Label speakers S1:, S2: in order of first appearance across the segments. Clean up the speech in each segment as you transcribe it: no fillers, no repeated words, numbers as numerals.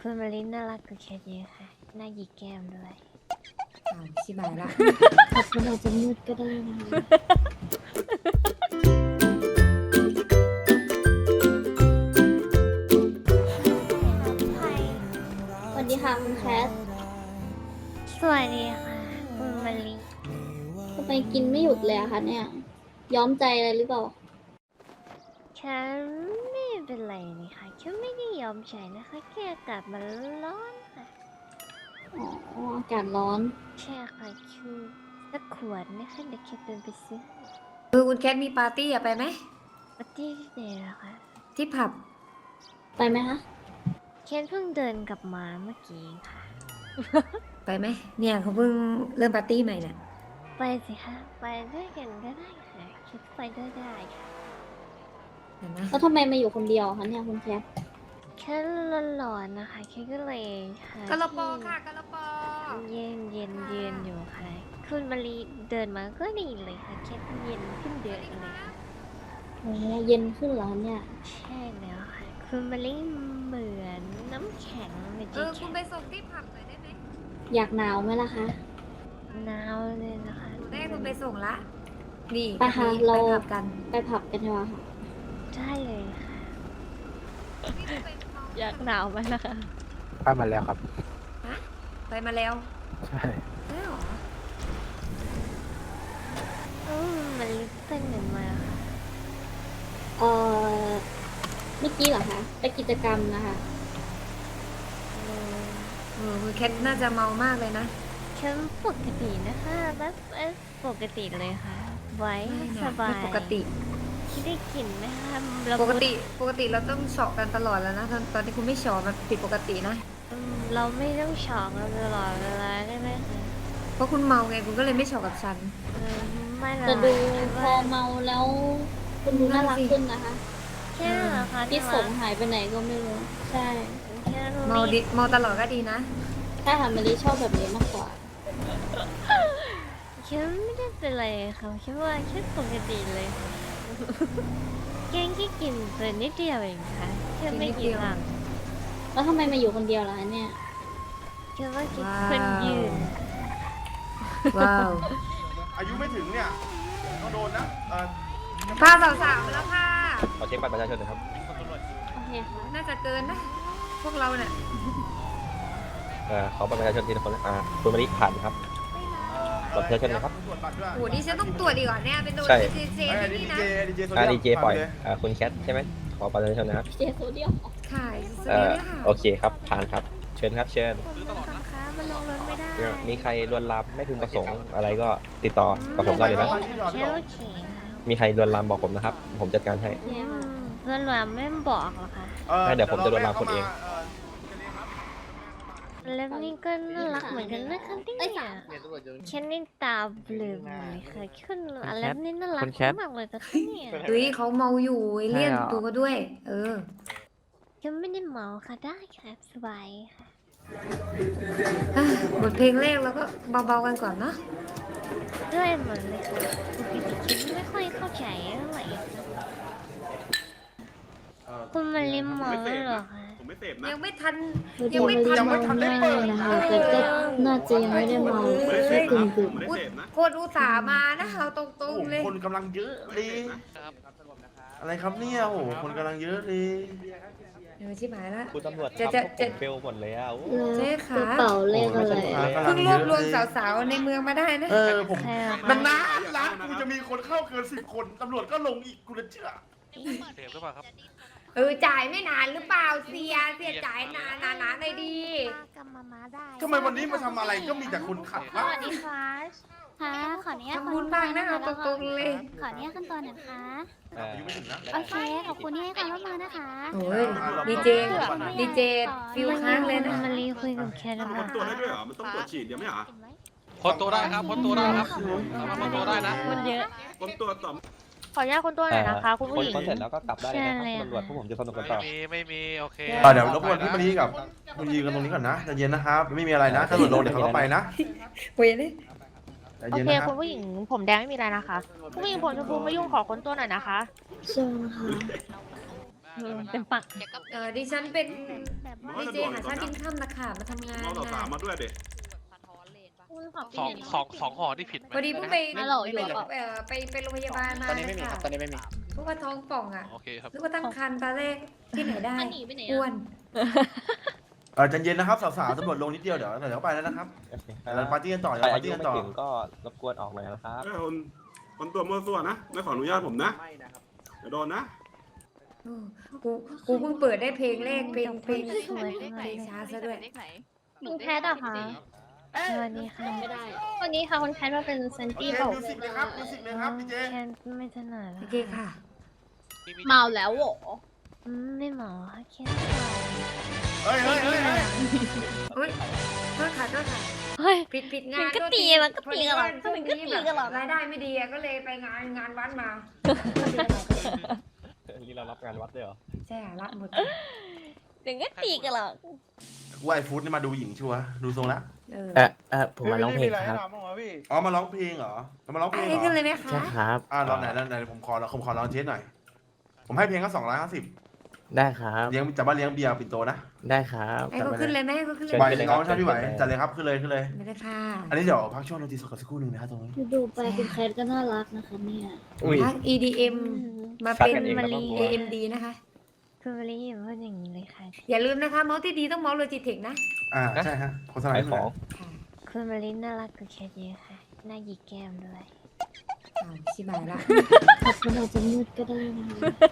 S1: คุณมารินน่ารักกว่าแคทเยอะค่ะหน้าหยิกแก้มด้วย
S2: ชิบายละ
S3: ขอบคุณอาจจะมืดก็ได้นะคะสวัสดีค่ะคุณแคท
S1: สวัสดีค่ะคุณมาริน
S3: ทำไมกินไม่หยุดเลยอะคะเนี่ย ย้อมใจอะไรหรือเปล่า
S1: ฉันไม่เป็นไรนี่ค่ะฉันไม่ได้ยอมใช้นะคะแค่อากาศมันร้อนค่ะ
S3: อ๋อ อากาศร้อน
S1: แค่ค่ะคือสักขวดนะคะเดี๋ยวแคทเดินไปซื้อ
S2: คุณแคทมีปาร์ตี้อะไปไหม
S1: ปาร์ตี้ที่ไหนล่ะคะ
S2: ที่ผับ
S3: ไปไหมคะ
S1: แคทเพิ่งเดินกลับมาเมื่อกี้ค่ะ
S2: ไปไหมเนี่ยเขาเพิ่งเริ่มปาร์ตี้ใหม่น่ะ
S1: ไปสิคะไปด้วยกันก็ได้ค่ะแคทไปด้วยได้ค่ะ
S2: เห็นไหม
S3: แล้วทำไมมาอยู่คนเดียวคะเนี่ยคุณแคท
S1: แค่ร้อนๆนะคะแค่ก็เลยหาก
S2: ะละปอค่ะกะละปอ
S1: เย็นอยู่ค่ะคุณมารีเดินมาก็ดีเลยค่ะแค่เย็นขึ้นเยอะเลยค่ะ
S3: โอ้เย็นขึ้นเหรอคะเนี่ย
S1: ใช่แล้วค่ะคุณมารีเหมือนน้ำแข็งในใจ
S2: คุ
S1: แข็
S2: ณ
S1: ง
S2: ไปส่งที่ผับหน่อยได้ไหม
S3: อยากหนาวไหมล่ะคะ
S1: หนาวเลยนะคะ
S2: ได้คุณไปส่งละนี่
S3: ไปค่ะ
S2: นี่
S3: เรา
S2: ไปผับกัน
S3: ไปผับกันดีกว่าค่ะ
S1: ได้เลยค่ะอยากหนาวไหมล่ะคะ
S4: ไปมาแล้วครับ
S2: ฮะไปมาแล้ว
S4: ใช่
S2: ได้หรอ
S1: มันลิปเป็นเหมือนมาค่ะ
S3: เอ่อ เมื่อกี้เหรอคะ ไปกิจกรรมนะคะ
S2: คุณแคทน่าจะเมามากเลยนะ
S1: ฉันปกตินะคะแบบปกติเลยค่ะ ไว้
S2: ไม่นะ
S1: สบา
S2: ไม่
S1: ย
S2: ปกติ
S1: คิดได้กลิ่นไหมคะละ
S2: ป
S1: มุ
S2: ก
S1: ด
S2: ติเราต้องเฉาะกันตลอดแล้วนะตอนที่คุณไม่เฉาะมันผิดปกตินะ
S1: เราไม่ต้องช็อกเราตลอดเวลาได้ไหมคะ
S2: เพราะคุณเมาไงคุณก็เลยไม่เฉาะกับฉัน
S1: ไม่หรอก
S3: แต่ดูพอเมาแล้ว คุณดูน่ารักขึ้นนะคะ
S1: แค่เหรอคะ
S3: พี่สมหายไปไหนก็ไม่รู้ ใช่
S1: แค่
S2: เมาดิเมาตลอดก็ดีนะ
S3: ถ้าหามารีชอบแบบนี้มากกว่า
S1: แค่ไม่ได้เป็นไรค่ะแค่ว่าแค่ปกติเลยแกงแค่กินเปิดนิดเดียวเองค่ะแค่ไม่กี่หลัง
S3: แล้วทำไมมาอยู่คนเดียวล่ะคะเนี่ย
S1: แค่ว่ากินคนยืน
S2: ว้าว
S5: อายุไม่ถึงเนี่ยต้องโดนนะ
S2: พาสาวๆมาแล้วค่ะ
S4: ขอเช็คบัตรประชาชนหน่อยครับ
S3: โอเคค่ะ
S2: น่าจะเกินนะ พวกเราเนี่ย
S4: ขอบัตรประชาชนทีละคนนะคุณมาริผ่านครับ บัตรประชาชนนะครับ
S5: ตรวจบัตรด้วย
S2: โหนี่ฉันต้องตรวจดีกว่าเนี่ย เป็นโดน
S4: ใช่
S2: เจเจ
S5: ไอ้
S2: ที่
S5: ดี
S2: นี่นะ
S5: เจดีเจ
S4: ดีเจปล่อยคุณแคทใช่ไหมขอบัตรประชาชนนะครับ
S3: เจโซเดียม
S2: ค่ะสวัสดีค่ะ
S4: โอเคครับ ผ่านครับ เชิญครับเชิญ
S1: คะมันลงรถไม่ได้
S4: มีใครลวนลามไม่พึงประสงค์อะไรก็ติดต่อกับผมได้เลยนะ
S1: แค่โอเค
S4: มีใครลวนลามบอกผมนะครับ ผมจัดการให้
S1: เพื่อนรามไม่บอกหรอคะ
S4: เดี๋ยวผมจะโดนลามคนเอง
S1: แล้วนี่ก็น่ารักเหมือนกันนะคะเนี่ยแค่นี่ตาเบลอเลยค่ะขึ้นแล้วนี่น่ารักมากเลยนะคะเนี่ย
S2: เฮ้ยเขาเมาอยู่เลี่ยนตัวก็ด้วย เออ
S1: ฉันไม่ได้เมาค่ะได้ค่ะสบายค่ะ
S2: บทเพลงแรกแล้วก็เบาๆกันก่อนเนาะ
S1: ด้วยเหมือนเลยค่ะปกติฉันไม่ค่อยเข้าใจเท่าไหร่คุณมาเล่นเมาเหรอคะ
S5: ผมไม่เสพนะ
S2: ยังไม่ทัน
S3: คือเจโซเดียมไม่เลยนะคะ แต่ก็น่าจะยังไม่ได้เมาแค่กึ่ง
S5: ผมไม่ได้เสพนะ
S2: คนอุตส่าห์มานะเอาตร
S5: โอ้
S2: ง
S5: โห
S2: ๆเลย
S5: คนกำลังเยอะเลยอะไรครับเนี่ยโอ้โหคนกำลังเยอะเลย
S2: เออชิบหายละ
S4: คุณตำรวจ
S2: จะ
S4: ทำพวกผมเฟลหมดเลยอ่ะ
S3: ๆ
S2: เจ๊
S3: แล้ว
S2: ขา
S3: กระเป๋าเลขอะไร
S2: เพิ่งรวบรวมสาวๆในเมืองมาได้นะ
S5: เออผม
S1: ใช่เหรอ
S5: มัน
S1: คะ
S5: นานร้านกูจะมีคนเข้าเกิน10 คนตำรวจก็ลงอีกกูจะเชื่อ
S6: เสพหรือเปล่าครับ
S2: จ่ายไม่นานหรือเปล่าเสียจ่ายนานๆเลยดี
S1: กำมาได้
S5: ทำไมวันนี้มาทำอะไรก็มีแต่คนขัด
S1: ส
S5: วะ
S1: วัสดีค่ะ
S7: ค่ะขออนุญาต
S2: ทำบุญบ้างนะเอาตรงๆเลย
S7: ขออนุญาตขั้นตอนหน่อยนะคะ
S5: อายุไม่ถึงนะ
S7: โอเค ขอบคุณที่ให้ความร่วมมือนะคะ
S2: โอ้ยดีเจฟิวค้างเลยนะ
S1: มารีคุยกับแคท
S5: มัน
S1: มา
S5: ตรวจได้ด้วยเหรอ มันต้องตรวจฉีดเดี๋ยวไม่เหรอ
S6: พ้นตัวได้ครับ พ้นตัวได้ครับสามารถพ้นตัวได้นะ
S1: มันเยอะ
S5: คนตรวจต่อ
S8: ขออนุญาตคนตัวหน่อยนะคะ คุณผู้หญิง
S4: คนเสร็จแล้วก็กลับได้เลยนะครับตำรวจพวกผมจะสนุกกันต่อ
S6: ไม่มี โอเค
S5: เดี๋ยวรบกวนพี่มารีกับคุณยืนกันตรงนี้ก่อนนะใจเย็นนะครับ ไม่มีอะไรนะ ถ้าหลุดโดนเดี๋ยวเขาก็ไปนะ
S2: เว้ยเลย
S5: ใจ
S8: โอ
S5: เย็น
S8: เค
S5: นะครับ
S8: คุณผู้หญิงผมแดงไม่มีอะไรนะคะ คุณผู้หญิงผมชมพูไม่ยุ่งขอคนตัวหน่อยนะคะ
S3: เชิญค่ะ
S1: เต็มปาก
S2: ดิฉันเป็น
S7: แบบ
S2: ดีเจหาชาติดินค่ำนะคะมาทำงาน
S9: เราสาวมาด้วยเด็ก
S6: สองห่อที่ผิดไหม
S2: พอดีเพิ่งไปไปโรงพยาบาลมา
S10: ตอนนี้ไม่มีครับ ตอนนี้ไม่มี
S2: เพราะว่าท้องป่องอ่ะ
S6: โอเคครับ
S2: นึกว่าตั้งครรภ์ตอนแรกที่ไหนได้อ้วน
S5: ใจเย็นนะครับสาวๆตำรวจลงนิดเดียวเดี๋ยวไปแล้วนะครับ
S4: โอเค
S5: เดี๋ยวเราปาร์ตี้กันต่อ
S4: ใคร
S5: เดี๋ยวปา
S4: อา
S5: ร์
S4: ยุ
S5: ตี้กัน
S4: ไม่
S5: ต่อ
S4: ถึงก็รบกวนออกหน่อยนะครับ
S9: คนตัวมั่วซั่วนะ ไม่ขออนุญาตผมนะเดี๋ยวโดนนะ
S2: กูเพิ่งเปิดได้เพลงแรกเพลง
S1: สวยจังเลย
S2: ช้าซะด้วย
S8: คุณแพทย์อะคะ
S1: สวัสดีค่ะ
S8: วันนี้ค่ะคุณแพทย์มาเป็นเซน
S5: โอ
S8: ตี้
S5: เค
S8: บอก
S5: มิวสิกเลยครับมิวสิกเลยครับพี่เจ
S1: แค่ไม่ถนัด
S2: โอเคค่ะ
S8: เมาแล้วโห
S1: ไม่หมอค่ะแค่
S5: เฮ้ย
S2: อุ้ยโทษค่ะโทษค่ะ
S1: เฮ้ย
S2: ผิดงาน
S1: มันก็ตีมันก็ตีกันหรอก
S2: ช่วง
S1: มันก็
S2: นี้
S1: ตี
S2: แบบ
S1: กันหรอก
S2: รายได้ไม่ดีอะก็เลยไปงานวัดมา
S4: นี่เรารับงานวัดด้วยเหรอ
S2: ใช่รับหมด
S1: ถึงก็ตีกันหรอก
S5: ว่าไอ้ฟู้ดนี่มาดูหญิงชัวร์ดูทรงแล้ว
S10: ผมมาร้องเพลงครับ
S5: อ๋อมาร้องเพลงเหรอมาร้องเพลงเหร
S2: ให้ขึ้น
S5: อ
S2: เลยไหมคะ
S10: ใช่ครับ
S5: ลองไหนผมขอลองเทสหน่อยผมให้เพลงก็250
S10: ได้ครับ
S5: เลี้ยงจะมาเลี้ยงเบียร์ปิ่นโตนะ
S10: ได้ครับ
S2: ให้เขาขึ้นเลยไหมให้เขาขึ้นเลย
S5: ไหวน้องชายพี่ไหวจัดเลยครับขึ้นเลย
S2: ไม่ได้ค่ะ
S5: อันนี้เดี๋ยวพักช่วงดนตรีสดกันสักครู่หนึ่งนะครับตรงนี้
S3: ดูไปคุณแคทก็น่ารักนะคะเนี่ย
S10: อุ้ย
S2: พัก EDM มาเป็น
S4: ซักกันเอง
S2: มา
S4: แล้ว
S2: รี
S4: ก็กลัว
S2: AMD นะคะ
S1: คุณมารีอย่าพูดอย่างนี้เลยค่ะ
S2: อย่าลืมนะคะเมาส์ที่ดีต้องเมาส์โลจิเทคนะ
S5: ใช่ฮะโฆษณา
S4: ขาย
S5: ให้
S4: ข
S5: หน่
S4: อ
S5: อย
S4: ง
S1: คุณมารีน่ารักกว่าแคทเยอะค่ะหน้าหยิกแก้มด้วย
S2: ชิบายละ
S3: ขอบคุณอาจจะมืดก็ได้นะคะ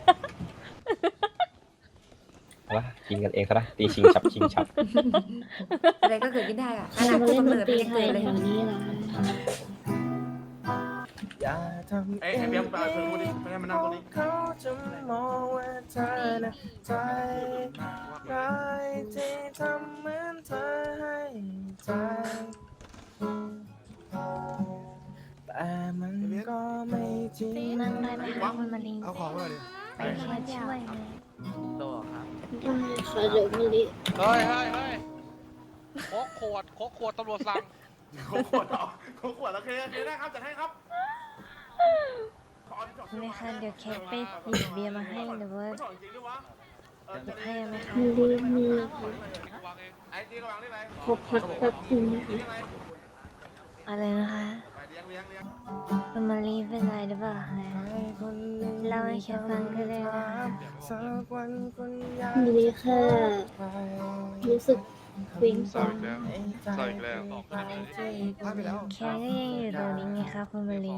S4: วะกินกันเองซะนะตีชิงฉับ
S2: อะไรก็เกิดขึ้นได้อะข
S3: เรา
S2: นาด
S3: มา
S2: ผู้
S3: เล่น
S2: กำ
S3: ด
S2: เนิ
S3: น
S2: ด
S3: ตรี
S2: ยัง
S3: ไท
S2: เกิ
S3: ย
S2: ดเลย
S3: แถวนี้เหรอ
S10: อย่าทำ
S5: ไอ้เบียร์ไปเพิ่มพูดดิไม่ให้มันนั่งตรงนี้
S10: เขาจะมองว่าเธอน่ะใจร้ายที่ทำเหมือนเธอให้ใจแต่มันก็ไม่จริง
S1: นั่งได้ไหมคะคุณมารี
S10: เอาของมาดิ
S1: ไปแค่ช่วยเลย
S6: ตัวครับ
S3: ได้ค่ะเดี๋ยวมาลิ
S6: เฮ้ยโคกขวดตำรวจสั่ง
S5: เขาขวดเหรอเขาขวดโอเคได้ครับจัดให้ครับ
S1: เลยค่ะเดี๋ยวแคทไปหยิบเบียร์มาให้หรือว่า
S5: ไม่ถอดจริงด้วยวะ
S1: หยิบให้ไหมคะ
S3: มาลิมี
S6: วางเอง
S5: ไอ้จีก็วางได้ไหม
S3: ขอพักแป๊บนึงนะคะ
S1: อะไรนะคะ
S5: ไปเลี้ยง
S1: คุณมารีเป็นไรหรือเปล่าคะเล่าให้แคทฟังก็ได้นะคะ
S10: สักวันคุณอยาก
S3: มาลิแค่รู้สึกวิงจัง
S6: ใส่อีกแล้ว
S1: แคทก็ยังอยู่ตรงนี้ไงคะคุณมารี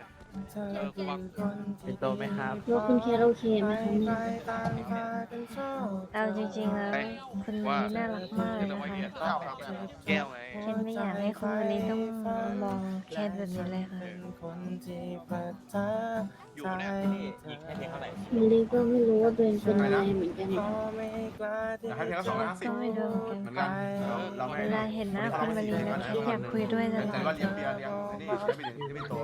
S10: เป็นโตไหมครับ
S3: แล้วคุณแคทโอเคไหมคะเนี่ย
S1: เอาจริงๆแล้วคุณมารีน่ารักมากเลยนะคะ
S6: แก้วไง
S1: แคทไม่อยากให้คุณมารีต้องมองแคทแบบนี้เลยค่ะ
S6: อยู่เนี่ย
S4: ยิงให้เพลงเท่าไหร่
S3: มาลิก็ไม่รู้ว่าตัวเองเป็นอะไรเหมือนกัน
S5: อยากให้เพลงก็250
S1: ก็ไม่รู้เหมือน
S5: เหมือน
S1: กั
S5: กัน นเราไม่
S1: เวลาเห็นหน้าคุณมารีแล้วแคทอยากคุยด้วยตล
S5: แต่
S1: อ
S5: ว่า
S1: ด
S5: เลี้ยงเบียร์เลี้ยงนี่ไม่เป็นโต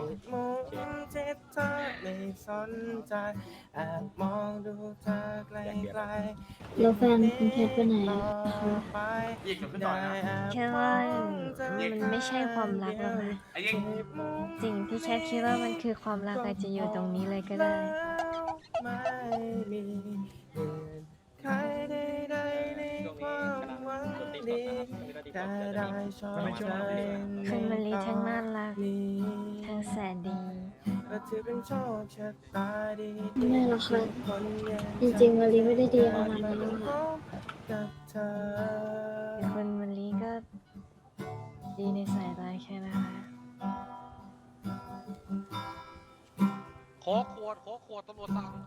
S10: ไม่สนใจแอบมองดูเธอไกล
S3: แล้วแฟนคุณแคทไปไหนอะคะ
S5: ยิงเดี๋ยวขึ้นต่อนะ
S1: แค่ว่ามันไม่ใช่ความรักหรอกค่ะ
S5: ไอ้ยิง
S1: สิ่งที่แคทคิดว่ามันคือความรักอาจจะอยู่ตรงนี้เลยก็ได้
S10: ไม่มีใครใดๆในความหวังดีแค่ได้ชอบใจ
S1: คุณมารีทั้งน่ารักทั้งแสนดี
S10: ก็ถือเป็นโชคชะตาดี
S3: ไม่หรอกค่ะ
S10: คนอย่าง
S3: จริงๆมาลิไม่ได้ดีขนาดนั้นหรอกค่ะ
S10: กับเธอ
S1: คุณมารีก็ดีในสายตาแค่นะคะ
S6: โคกขวดตำรวจสั่ง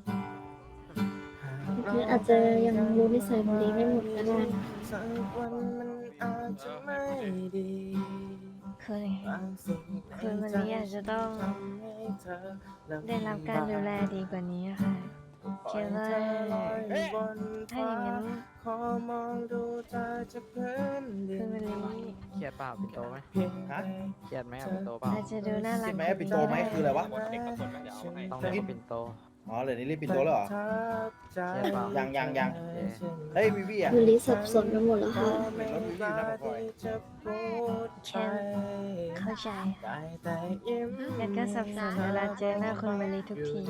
S3: คืออาจจะยังรู้นิสัยมาลิไม่หมดก็ได้นะคะ
S10: สักวันมันอาจจะไม่ดี
S1: คือ
S10: บางสิ่ง
S1: คุณมารีอาจจะต้อง
S10: ทำให้เธอลำบาก
S1: ได้รับการดูแลดีกว่านี้ค่ะคิดว่าถ้าอย่างนั้น
S10: ขอมองดูเธอจากพื้นดิ
S1: คุณ
S10: น
S1: มารี
S10: เพียง
S11: ฮะ
S10: เครียดไหมปินโตเปล่า
S1: อาจจะดูน่ารัก
S11: ปิ่นโตไหมคืออะไรวะ
S10: ต้อง
S11: เรียกว่าปิ่นโต
S10: อ๋อเหลือนี่รีบปิดตัวแล้วเหรอยังเฮ้ยวิวี่อ่ะ
S3: วันนี้สับสนไปหมดแล้วค่ะ
S10: รถวิวี่อยู่หน้าปากซอย
S1: แค่เข้าใจงั้นก็สับสนเวลาเจอหน้าคุณมารีทุกที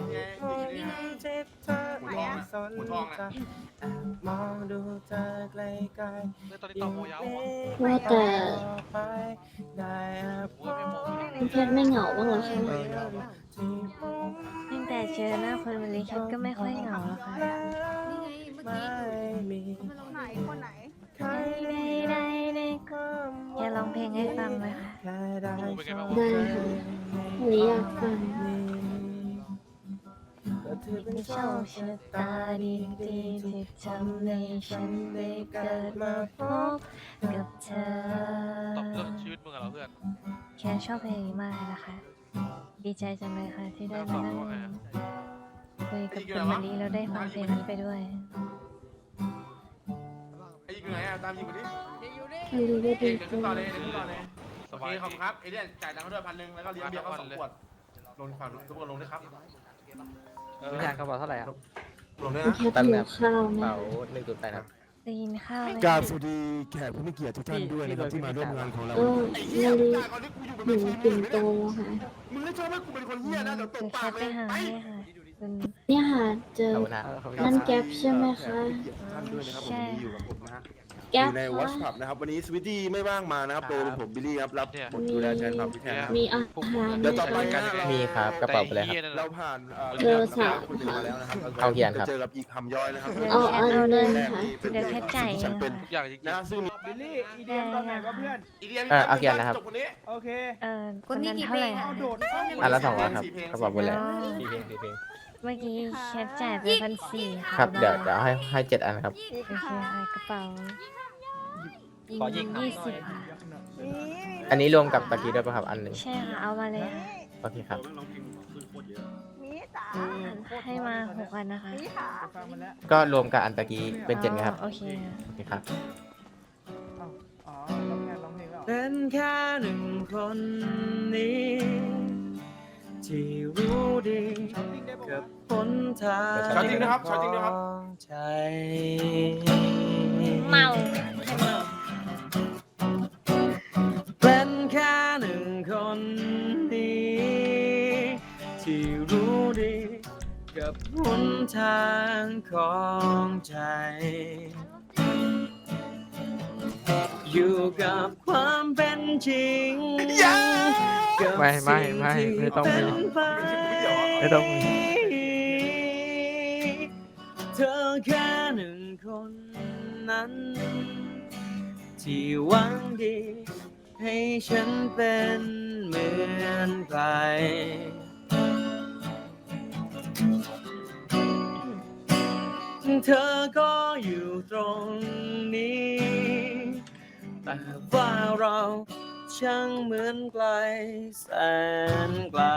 S9: หัวทองอ่ะ
S10: มองดูเธอไกล
S6: ตอนนี้ต่อโมยาวหัว
S3: ว่าแต่
S10: ได้
S3: คุณเพชรไม่เหงาบ้างเหรอคะ
S1: ตั้งแต่เจอหน้าคุณมารีฉันก็ไม่ค่อยเหงาแล้วค่ะ
S10: ไม่มี
S7: ไหนคนไหน
S10: ใคร
S1: ได้อย่าร้องเพลงให้ฟังไหมคะ
S10: แค่ได้
S6: เป็นไงบ้าง
S3: ได้ค่ะหรืออยากฟัง
S10: ก็เธอเป็น
S1: โชคชะตาดีที่ทำให้ฉันได้เกิดมาพบกับเธอ
S6: ตอบเรื่องชีวิตมึงเหรอเพื่อน
S1: แค่ชอบเพลงนี้มากเลยนะคะ ดีใจจังเลยค่ะที่ได้มานั่งคุยกับคุณมารีแล้วได้ฟังเพลงนี้ไปด้วย
S5: ไอ้ยิงอยู่ไหนอ่ะตามยิงไปดิ
S3: มารีได้
S5: เก่
S3: ดี
S5: งขึ้นต่อเลยขึ้นต่อเลย
S6: ส
S5: โอเค
S6: บาย
S5: ขอบคุณครับเอเลี่ยนจ่ายตังค์เขาด้วย1,000แล้วก็เลี้ยงเบียร์เขา2 ขวดลงฝั่งทุกคนลงด้วยครับ
S4: ไม่ใช่เขาบอกเท่าไหร่ครับ
S5: ลงด้วย
S3: คุณ
S5: นะ
S3: เพชรหิวข้าว
S4: เป๋า
S3: นะ
S4: 1.8ครับ
S1: ได้ยินข้าวเลย
S11: กราบสวัสดีแขกผู้มีเกียรติทุกท่านด้วยนะครับที่มาร่วมงานของเรา
S3: ก็มารี
S5: ก่อนที่กูอยู่เป็น
S3: หนู
S5: ชี
S3: ปิ่นโตค่ะ
S5: มึงไม่ชอบให้กูเป็นคนเหี้ยนะเดี๋ยวต
S1: คื
S5: บ
S1: อ
S5: ปา
S1: แค่
S5: ก
S1: ไป
S5: เลย
S1: หา
S5: ไป
S1: ให้ค่ะคุณ
S3: เนี่ยค่ะเจอ
S4: ขอบคุณนะ
S3: นั่นแก๊ปใช่ไหมคะ
S5: ท่านด้วยนะครับผมวันนี้อยู่กับผมนะฮะอ
S3: แก๊ป
S5: ยู่ในวอช
S3: คะ
S5: พับนะครับวันนี้สวิตตี้ไม่ว่างมานะครับโดยผมบิลลี่ครับรับบทดูแลแทนครับพี่แทนนะครับ
S3: มีอาหาร
S5: เดี๋ยวต่อไป
S3: ไหม
S5: นะ
S3: คะ
S5: เรา
S4: มีครับกระเป๋าไปเลยครับ
S5: เราผ่าน
S3: เบอร์สาม
S5: คุณมาแล้วนะครับ
S4: เอาเกียร์ครับ
S5: จะเจอกับอีกคำย่อยนะครับ
S3: เอาอันหนึง
S5: แรก
S3: ค่ะ
S5: นี่เป็น
S1: เดี๋ยวแค่จ่ายเอง
S5: ฉันเป็น
S1: ค่ะ
S6: อย่างจริง
S5: นะซึ่ง
S10: บิลลี่อีเดียมตอนไหนวะเพื่อน
S5: อีเดีย
S4: เอาเกียร์นะครับ
S5: จบคนนี้
S10: โอเค
S1: คนนั้นเท่าไหร่คะ
S10: โดด
S4: อันละ200ครับกระเป๋าไปเลย4เพลง
S1: เมื่อกี้แคปจ่ายไป1,400ค่ะ
S4: ครับเดี๋ยวให้7 อันครับ
S1: โอเคค่ะกระเป๋า
S4: ขอยิงครับ
S1: 20ค่ะ
S4: อันนี้รวมกับตะกี้ด้วยป่ะครับอันหนึ่ง
S1: ใช่ค่ะเอามาเลยค่ะ
S4: โอเคครับ
S1: ให้มา6 อันนะคะ
S10: ฟังมันแล้ว
S4: ก็รวมกับอันตะกี้เป็น7ไงครับ
S1: โอเคค่ะ
S4: โอเคครับ
S10: อ๋อร้องเพลงแล้วเป็นแค่หนึ่งคนนี้ที่รู้ดีกับผลทาง
S5: ช็อตจริงนะครับช็อตจริงนะครับ
S10: ใจ
S1: เมา
S10: เป็นแค่หนึ่งคนนี้ที่รู้ดีกับหนทางของใจ อยู่กับความเป็นจริงกับ
S4: ไม่
S10: สิ่งที่
S4: ต้องมี
S10: เป็นไป
S4: ไม่ต้องมี
S10: เธอแค่หนึ่งคนนั้น ที่หวังดีให้ฉันเป็นเหมือนใครเธอก็อยู่ตรงนี้ แต่ว่าเราช่างเหมือนไกลแสนไกล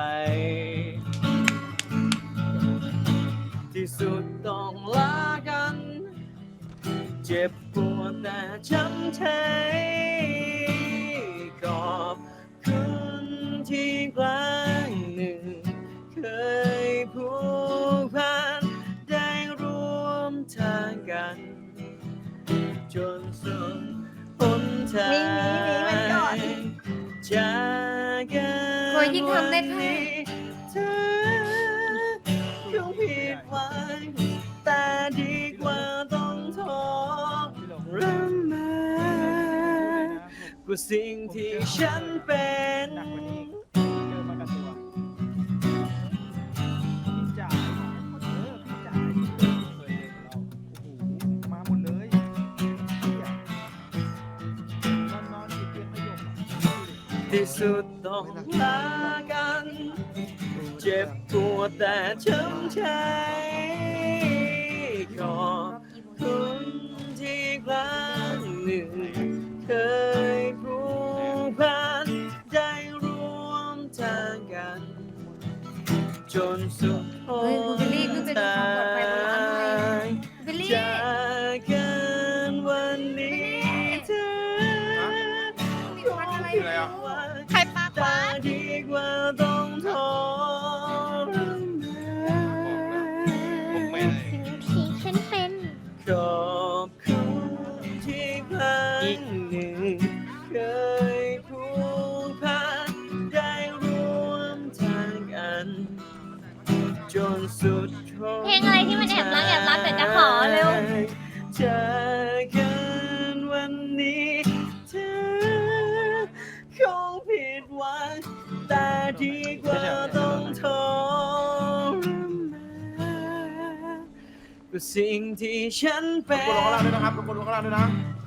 S10: ที่สุดต้องลากัน เจ็บปวดแต่ช้ำใจขอบคุณที่ครั้งหนึ่ง เคยผูกพันได้ร่วมทางกัน จนสุดหนทางจากกัน
S2: โอ้ยยิ่งทำได้แค่
S10: เธอคงผิดหวังแต่ดีกว่าต้องทรมานกว่าสิ่งที่ฉันเป็นมาหมดเลยที่สุดต้องลากัน เจ็บปวดแต่ช้ำใจขอบคุณที่ครั้งหนึ่ง เคยผูกพันได้ร่วมทางกัน จนสุดห
S2: เฮ้ยคุณบิลลี่คือเป็นความปลอดภัยบนรถไฟ
S10: ง
S2: บิลลี่
S10: จากกันวันนี้เธอ
S2: มีควันอะไรไม่รู้อะ
S8: ใครปากหวาน
S10: ดีกว่าต้องทรมานรั้งหนึ่งเคยผูกพันได้ร่วมทางกันจนสุด
S1: เพลงอะไรที่มันแอบรักแต่จะขอเร็ว
S10: จากกันวันนี้เธอคงผิดหวังแต่ดีกว่าต้องทรมานกับสิ่งที่ฉันเป็
S5: คน
S10: น
S5: ลงข้างล่างด้วยนะครับคนลงข้างล่างด้วยนะ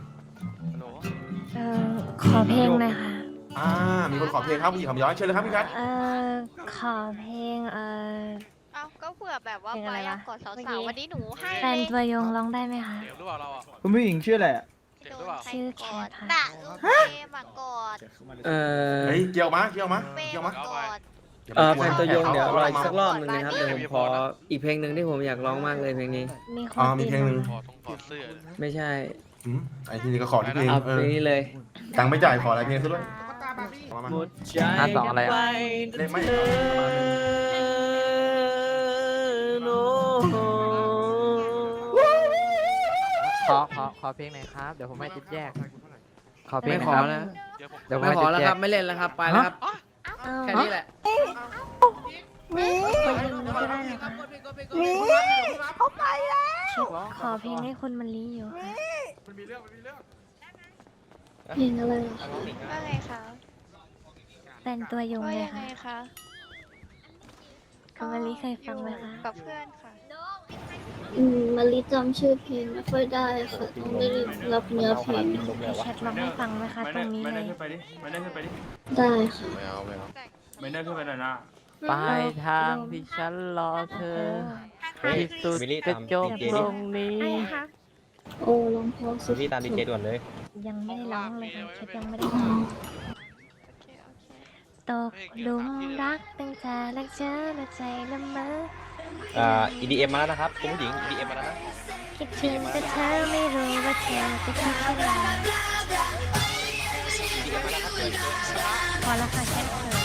S1: ขอเพลงหน่อยค่ะ
S5: มีคนขอเพลงครับผู้หญิงคำย้อยเชิญเลยครับพี่แคท
S1: ขอเพลง
S2: เอาก็เผื่อแบบว่า
S1: เพลง
S2: ไป
S1: อะไรวะ
S2: กอดสาวๆวันนี้หนูให้
S1: แฟนตัวยงร้องได้ไหมคะ
S6: เสียงหรือเปล่าเราอ่ะ
S10: คุณผู้หญิงชื่ออะไรอ่ะ
S6: เสียงหรือเปล่า
S1: ชื่อแคทค่ะ
S2: ด่าลูกเฟมากอด
S5: เฮ้ยเกี่ยวมา
S2: เฟมากอด
S10: แฟนตัวยงเดี๋ยวรออีกสักรอบหนึงนะครับเดี๋ยวผมขออีกเพลงหนึ่งที่ผมอยากร้องมากเลยเพลงนี้
S1: มีคน
S5: มีเพลงหนึ่ง
S6: ถอดเสื้อ
S10: ไม่ใช่
S5: ไอ้ที่นี่ก็ขอที่เพลง
S10: เอาเพลงนี้เลย
S5: ตังค์ไม่จ่ายขออะไรเพลงซะด้วยมา
S10: หมดใจอะไรอ่ะ
S5: เลขไม่
S10: ขอเพลงหน่อยครับเดี๋ยวผมไม่ติดแยก
S6: ขอเพลง
S10: ไม่ขอนะ
S6: เดี๋ยวผม
S10: ไม่ขอแล้วครับไม่เล่นแล้วครับไปแล้วครับแค่นี้แหละ
S1: คนยิงนี้ก็ได้นะคะขอเพลงให้คนมันลีอยู่ค่ะ
S3: เพลงอะไรเหรอ
S2: ว่าไงคะ
S1: แฟนตัวยง
S2: ว่า
S1: เลย
S2: ยังไง
S1: ค่ะ
S2: คะ
S1: คุณมันลีเคยฟังไหมคะ
S2: กับเพื่อนค่ะ
S3: มาริจำชื่อเพลงไม่ค่อยได้ค่ะต้องได้รับเนื้อเพลง
S1: แชทร้องให้ฟังไหมคะตรงนี้เลย
S3: ได้ค่ะ
S9: ไม่ได้ขึ้นไปหน่อยนะ
S10: ปลายทางที่ฉันรอเธอที่สุดกระจกตรงนี้
S3: โอ้ลองพอสุด
S4: พี่ตามดีเจด่วนเลย
S1: ยังไม่ได้ร้องเลยค่ะแชทยังไม่ได้ร้องตกหลุมรักตั้งแต่แรกเจอและใจละเมอ
S4: EDM มาแล้วนะครับคุณผู้หญิง EDM มาแล้วนะ
S1: คิดถึงแต่เธอไม่รู้ว่าเธอจะคิดเช่นไรพอแล้วค่ะแค่เธอ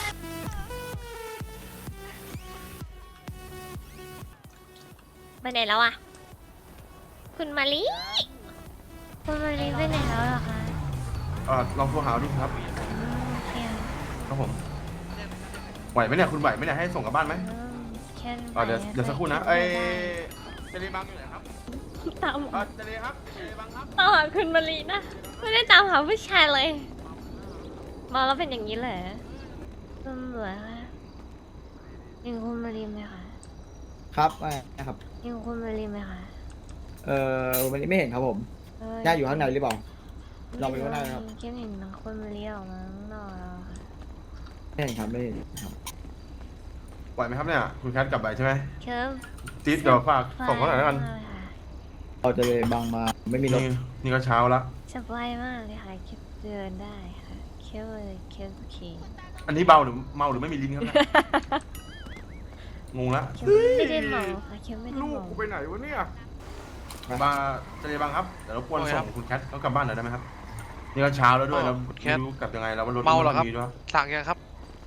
S1: ไปไหนแล้วอ่ะคุณมาลีคุณมาลีไปไหนแล้วเหรอคะ
S5: ลองโทรหาดิครับ
S1: โอเค
S5: ครับผมไหวไหมเนี่ยคุณไหวไหมเนี่ยให้ส่งกลับบ้านไหม
S1: แค่
S5: เดี๋ยวสักครู่นะเจเลบังอยู่ไหนครับ
S1: ตาม
S5: เจเลครับเจเลบังครับ
S1: ตามหาคุณมาลีนะไม่ได้ตามหาผู้ชายเลยมาแล้วเป็นอย่างนี้เลยตำรวจคะยิงคุณมาลีไหมคะ
S10: ครับไม่ครับ
S1: ยิงคุณมาลีไหมคะ
S10: วันนี้ไม่เห็นครับผมย่าอยู่ข้างในหรือเปล่า ลองไปดูได้ครับ
S1: แค่เห็นคนมาลีออกมาข้างนอกแล้วค่ะ
S10: ไม่เห็นครับไม่เห็นครับ
S5: ไหวไหมครับเนี่ยคุณแคทกลับไปใช่ไหม
S1: เคิร์ฟ
S5: ติ๊ดเดี๋ยวฝากส่งเขาหน่อยแล้วกัน
S10: เราจะเลยบังมาไม่มีรถ
S5: นี่ก็เช้าละ
S1: สบายมากเลยค่ะคิดเดินได้ค่ะเคิร์ฟเลยเคิร์ฟโอเค
S5: อันนี้เบาหรือเมาหรือไม่มีลิ้นครับเนี่ยงงละ
S1: เคิร์ฟไม่ได้เมาค่ะเคิร์ฟไม่ได้
S5: ลูก
S1: เมา
S5: กูไปไหนวะเนี่ยมาเจเลบังครับเดี๋ยวรบกวนส่งคุณแคทเขากลับบ้านหน่อยได้ไหมครับนี่ก็เช้าแล้วด้วยเราไม่รู้กลับยังไงแล้วว่ารถ
S6: เมาเหรอครับ
S5: มีด้วย
S6: สั่งยังครับ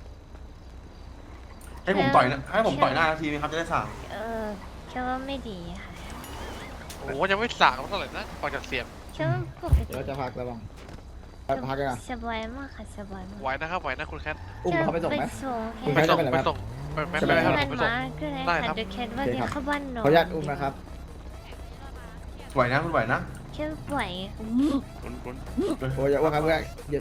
S5: ให้ผมต่อยหน้าทีนึงครับจะได้สั่ง
S1: เคิร์ฟว่าไม่ดีค่ะ
S6: โอ้ยังไม่สั่งเท่าไหร่นะฟังจากเสียง
S1: เคิร์ฟปกติ
S10: เราจะพักแล้วบังพักกันอ่ะ
S1: สบายมากค่ะสบายมาก
S6: ไหวนะครับไหวนะคุณแคท
S10: อุ้มเขาไปส่งไหม
S1: ส่ง
S10: ไป
S1: แค่
S10: ส่ง
S6: ไปส่งไม่ได้ครับ
S1: มัน
S6: ไปส่ง
S1: มาก็ได้
S6: ได้ครั
S1: ค่ะ
S6: บ
S1: เดี๋ยวแคทว่าจะเข้าบ้านนอน
S10: ขออนุญาตอุ้มนะครับ
S5: ไหวนะคุณไหวนะ
S1: แค่ไหว
S10: โอ้ยอย่าอ้วกครับเพื่อนเดี๋ยว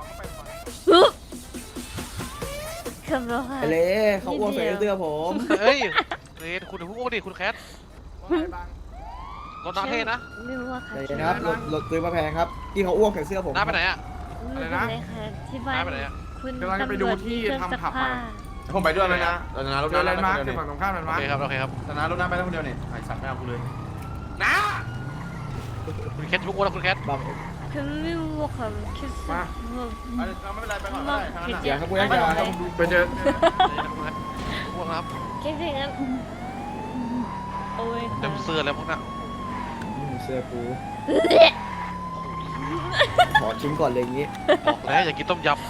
S1: เคิร์ฟแล้วค่ะ
S10: ไปเลยเขาอ้วกใส่เสื้อผม
S6: เฮ้ยเรนคุณพูดดิคุณแคทรถน้ำเทนะ
S1: ไม่รู้ว่าค่ะ
S10: ใจเย็นนะครับรถซื้อมาแพงครับที่เขาอ้วกใส่เสื้อผม
S6: น้าไปไหนอ่ะ
S1: ไม่เป็นไรค่ะที่บ้าน
S6: น้าไปไหนอ่ะ
S1: คุณตำรวจมีเครื่องซักผ้า
S5: ผมไปด้วยไหมนะเราจะนารถน้ำไปคนเดียว
S9: ฝั่งตรงข้ามมัน
S6: โอ
S9: มา
S6: เคครับโอเคครับ
S5: จะนารถน้ำไปคนเดียวนี่ไอ้สัตว์ไม่เอากูเลยนะ
S6: คุณแคทยุกนะคุณแคท
S10: บัง
S1: คือไม่รู้ว่าค่ะคิดว่า
S5: เราไม่เป็นไรไปก่อนได้ทั้งนั้น
S10: อย่าครับเพื่อนอย่าครับ
S9: ไปเจอ
S6: พวกนะครับ
S1: คิดถึงกันโอ้ย
S6: เต็มเสื้อแล้วพวกน่ะ
S10: เสื้อกูขอชิ้นก่อนเลยอย่างงี้
S6: บอกแล้วอย่ากินต้มย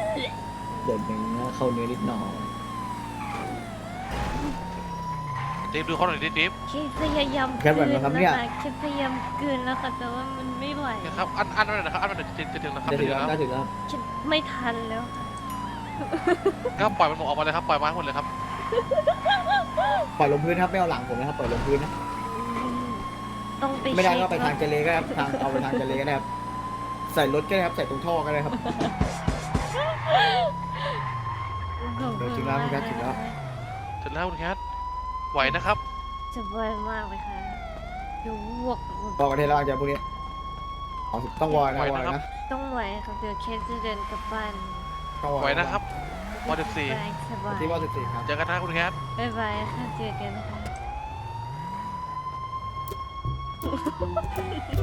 S10: เดี๋ยวหนึ่งเข้าเนื้อนิดหน่อย
S6: ำติ๊บดูเขาหน่อยดิติ๊บ
S1: คิดพยายาม
S10: แค่แบบไหนครับเนี่ย
S1: คิดพยายามกลืนแล้วค่ะแต่ว่ามันไม่ไหว
S6: นะครับอันนั้นนะครับอันนั้นจะถึงนะครับ
S10: จะถึง
S6: จะ
S10: แล้ว
S6: ถึง
S10: จะ
S6: แล้ว
S10: ถึงแล้ว
S1: คิดไม่ทันแล้วค่ะ
S6: ก็ปล่อยมันหมดออกมาเลยครับปล่อยมาให้หมดเลยครับ
S10: ปล่อยลงพื้นครับไม่เอาหลังผมนะครับปล่อยลงพื้นนะ
S1: ต้องไป
S10: ไม่ได้
S1: เช็ค
S10: ก็ไปทางเจเลก็ได้ครับเอาไปทางเจเลก็ได้ครับใส่รถก็ได้ครับใส่ตรงท่อก็ได้ครับ
S1: ขอบ
S10: เดี๋ยว
S1: คุ
S10: ถึ
S1: ณ
S10: งแล้ว
S1: มาก
S10: คุณแคทถึงแล้ว
S6: ถึงแล้วคุณแคทไหวนะครับ
S1: จะบ่อยมากเลยค่ะดูวก
S10: บอกกันเทแล้วจะพวกนี้ต้องวอยนะวอยนะ
S1: ต้องไหวค่ะเดี๋ยวเคสจะเดินกลับบ้าน
S10: ต้องวอย
S6: ไหวนะครับวอร์ดสี่
S1: สบาย
S10: ที่ว่า14ครับ
S6: เจอกันนะคุณแคท
S1: บ๊ายบายค่ะเจอกันค่ะ